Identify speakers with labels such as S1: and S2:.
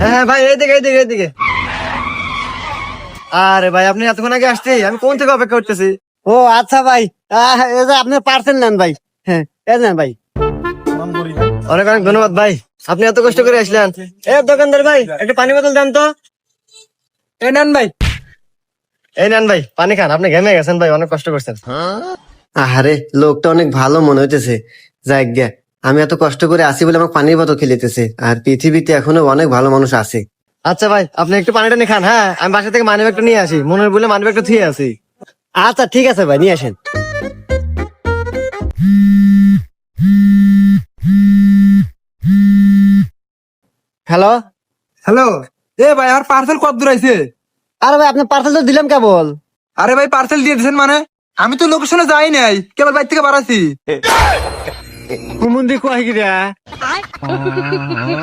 S1: হ্যাঁ ভাই, এইদিকে এইদিকে এইদিকে। আরে ভাই, আপনি এতক্ষণ আগে আসছি, আমি কোন থেকে অপেক্ষা করতেছি।
S2: ও আচ্ছা ভাই, এই যে আপনি পার্সেল নেন ভাই। হ্যাঁ, এই নেন ভাই।
S1: অনেক অনেক ধন্যবাদ ভাই, আপনি এত কষ্ট করে আসলেন। এ দোকানদার ভাই, একটা পানি বোতল দেন তো।
S2: এই নেন ভাই।
S1: এই নেন ভাই, পানি খান, আপনি ঘেমে গেছেন ভাই, অনেক কষ্ট করছেন।
S2: আরে লোকটা অনেক ভালো মনে হইতেছে। যাই গে, আমি এত কষ্ট করে আসি বলে আমাকে পানির বোতল খেলিতেছে, আর পৃথিবীতে এখনো অনেক ভালো মানুষ আছে।
S1: আচ্ছা ভাই, আপনি একটু পানিটা নিয়ে খান। হ্যাঁ, আমি বাসা থেকে মানি ব্যাগটা নিয়ে আসি, মনের বলে মানি ব্যাগটা থুয়ে আসি।
S2: আচ্ছা ঠিক আছে ভাই, নিয়ে আসেন। হ্যালো।
S3: হ্যালো। এ ভাই, আমার পার্সেল কত দূর আইছে?
S2: আরে ভাই, আপনার পার্সেল তো দিলাম কেবল।
S3: আরে ভাই, পার্সেল দিয়ে দিয়েছেন মানে? আমি তো লোকেশনে যাই নাই, কেবল বাইর থেকে বাড়াছি।
S2: কুমুন্দি কয় গিরা